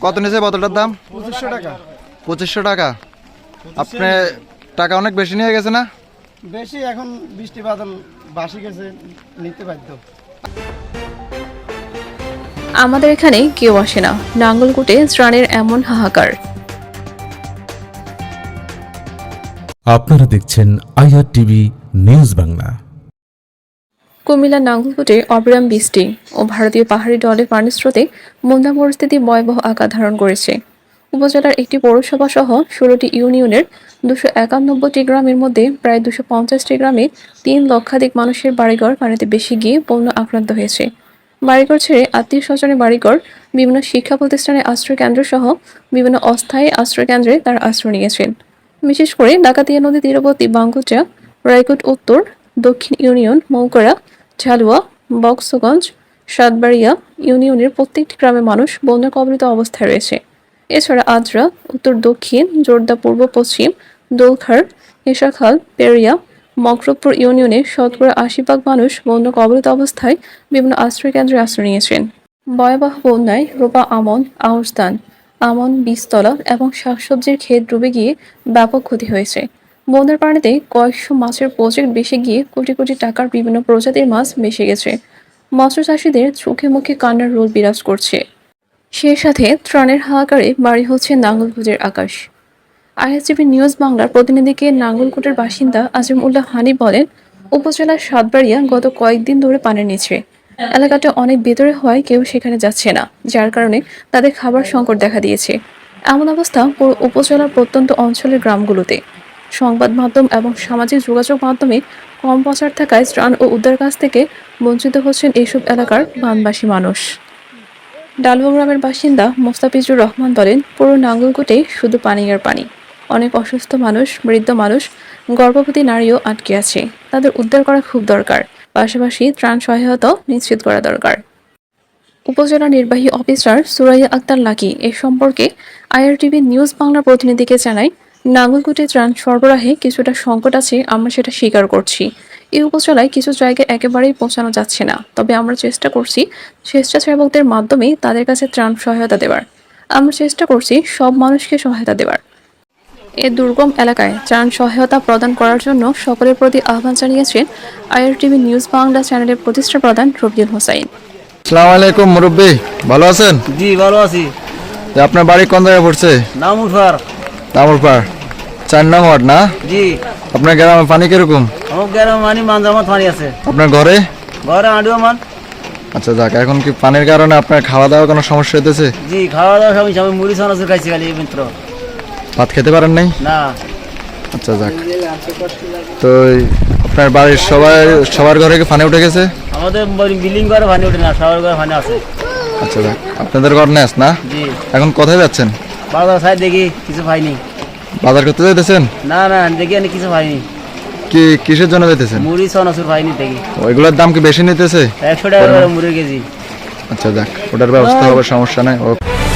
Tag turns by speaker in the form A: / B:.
A: কত নিয়েছে বোতলটার দাম?
B: 2500 টাকা।
A: 2500 টাকা। আপনি টাকা অনেক বেশি নিয়ে গেছে না?
B: বেশি, এখন বৃষ্টি বাদল বাসি গেছে, নিতে বাধ্য।
C: আমাদের এখানে কেউ আসে না, নাঙ্গলকোটে ত্রাণের এমন হাহাকার।
D: আপনারা দেখছেন IRTV নিউজ বাংলা।
C: কুমিল্লার নাঙ্গলকোটে অবিরাম বৃষ্টি ও ভারতীয় পাহাড়ি ঢলে পানির স্রোতে বন্যা পরিস্থিতি ভয়াবহ আকার ধারণ করেছে। উপজেলার একটি পৌরসভা সহ 16টি ইউনিয়নের 291টি গ্রামের মধ্যে প্রায় 250টি গ্রামে 3 লক্ষাধিক মানুষের বাড়িঘর পানিতে ভেসে গিয়ে বন্যা আক্রান্ত হয়েছে। বাড়িঘর ছেড়ে আত্মীয় স্বজনের বাড়িঘর, বিভিন্ন শিক্ষা প্রতিষ্ঠানের আশ্রয় কেন্দ্র সহ বিভিন্ন অস্থায়ী আশ্রয় কেন্দ্রে তারা আশ্রয় নিয়েছেন। বিশেষ করে ডাকাতিয়া নদী তীরবর্তী বাঙ্গুচা, রায়কোট উত্তর, দক্ষিণ ইউনিয়ন, মৌকড়া, ঝালুয়া, বক্সগঞ্জ, সাতবাড়িয়া ইউনিয়নের প্রত্যেকটি গ্রামের মানুষ বন্যা কবলিত অবস্থায় রয়েছে। এছাড়া আদ্রা, উত্তর দক্ষিণ, জোরদা পূর্ব পশ্চিম, দোলখার, এশাখাল, পেরিয়া, মকরবপুর ইউনিয়নে শতকরা 80% মানুষ বন্যা কবলিত অবস্থায় বিভিন্ন আশ্রয় কেন্দ্রে আশ্রয় নিয়েছেন। ভয়াবহ বন্যায় রোপা আমন, আউশ ধান, আমন, বীজতলা এবং শাকসবজির ক্ষেত ডুবে গিয়ে ব্যাপক ক্ষতি হয়েছে। বন্যার পানিতে কয়েকশো মাছের প্রজেক্ট ভেসে গিয়ে কোটি কোটি টাকার বিভিন্ন প্রজাতির মাছ ভেসে গেছে। মৎস্য চাষীদের চোখে মুখে কান্নার রোল বিরাজ করছে। সেই সাথে ত্রাণের হাহাকারে বাড়ি হচ্ছে নাঙ্গলকোটের আকাশ। IRTV নিউজ বাংলার প্রতিনিধিকে নাঙ্গলকোটের বাসিন্দা আজিম উল্লাহ হানি বলেন, উপজেলার সাতবাড়িয়া গত কয়েকদিন ধরে পানির নিচে। এলাকাটা অনেক ভেতরে হওয়ায় কেউ সেখানে যাচ্ছে না, যার কারণে তাদের খাবার সংকট দেখা দিয়েছে। এমন অবস্থা পুরো উপজেলার প্রত্যন্ত অঞ্চলের গ্রামগুলোতে। সংবাদ মাধ্যম এবং সামাজিক যোগাযোগ মাধ্যমে কম প্রচার থাকায় ত্রাণ ও উদ্ধার কাজ থেকে বঞ্চিত হচ্ছেন এইসব এলাকার বানবাসী মানুষ। ডালুয়া গ্রামের বাসিন্দা মোস্তাফিজুর রহমান বলেন, পুরো নাঙ্গলকোটে শুধু পানি আর পানি। অনেক অসুস্থ মানুষ, বৃদ্ধ মানুষ, গর্ভবতী নারীও আটকে আছে। তাদের উদ্ধার করা খুব দরকার, পাশাপাশি ত্রাণ সহায়তা নিশ্চিত করা দরকার। উপজেলা নির্বাহী অফিসার সুরাইয়া আক্তার লাকি এ সম্পর্কে IRTV নিউজ বাংলার প্রতিনিধিকে জানায়, নাঙ্গলকোটে ত্রাণ সরবরাহে কিছুটা সংকট আছে, আমরা সেটা স্বীকার করছি। এই উপজেলায় কিছু জায়গায় একেবারেই পৌঁছানো যাচ্ছে না, তবে আমরা চেষ্টা করছি স্বেচ্ছাসেবকদের মাধ্যমে তাদের কাছে ত্রাণ সহায়তা দেওয়ার। আমরা চেষ্টা করছি সব মানুষকে সহায়তা দেওয়ার। এ দুর্গম এলাকায় ত্রাণ সহায়তা প্রদান করার জন্য সকলের প্রতি আহ্বান জানিয়েছেন IRTV নিউজ বাংলা চ্যানেলের প্রতিষ্ঠা প্রধান রবিউল হোসাইন।
A: আসসালামু আলাইকুম মুরব্বি, ভালো আছেন?
E: জি ভালো আছি।
A: আপনার বাড়ি কোন জায়গায় পড়ছে?
E: নামুরপাড়।
A: দামুরপাড় 4 নং ওয়ার্ড না?
E: জি।
A: আপনার গ্রামে পানি কিরকম?
E: আমার গ্রামে মানে মানজামাত পানি আছে।
A: আপনার ঘরে?
E: ঘরে আড়িও মান।
A: আচ্ছা যাক, এখন কি পানির কারণে আপনার খাওয়া দাওয়া কোনো সমস্যা হতেছে?
E: জি, খাওয়া দাওয়া সবই আমি মুড়ি চানাচুর খাইছি খালি এই মিত্র।
A: ভাত খেতে পারেন নাই?
E: না।
A: আচ্ছা যাক, তো আপনার বাড়ির সবার ঘরে কি পানি উঠে গেছে?
E: আমাদের বিল্ডিং ঘরে পানি ওঠে না, সবার ঘরে পানি আছে।
A: আচ্ছা যাক, আপনাদের ঘর নেস না?
E: জি।
A: এখন কোথায় যাচ্ছেন?
E: বাজার সাইড দেখি কিছু পাইনি।
A: বাজার করতে যাইতেছেন?
E: না না, দেখি আমি কিছু পাইনি।
A: কি কিসের জন্য যাইতেছেন?
E: মুড়ি চানাচুর পাইনি দেখি।
A: ওইগুলোর দাম কি বেশি নিতেছে?
E: 100 টাকা করে মুড়ি কেজি।
A: আচ্ছা যাক, ওটার ব্যবস্থা হবে, সমস্যা নাই।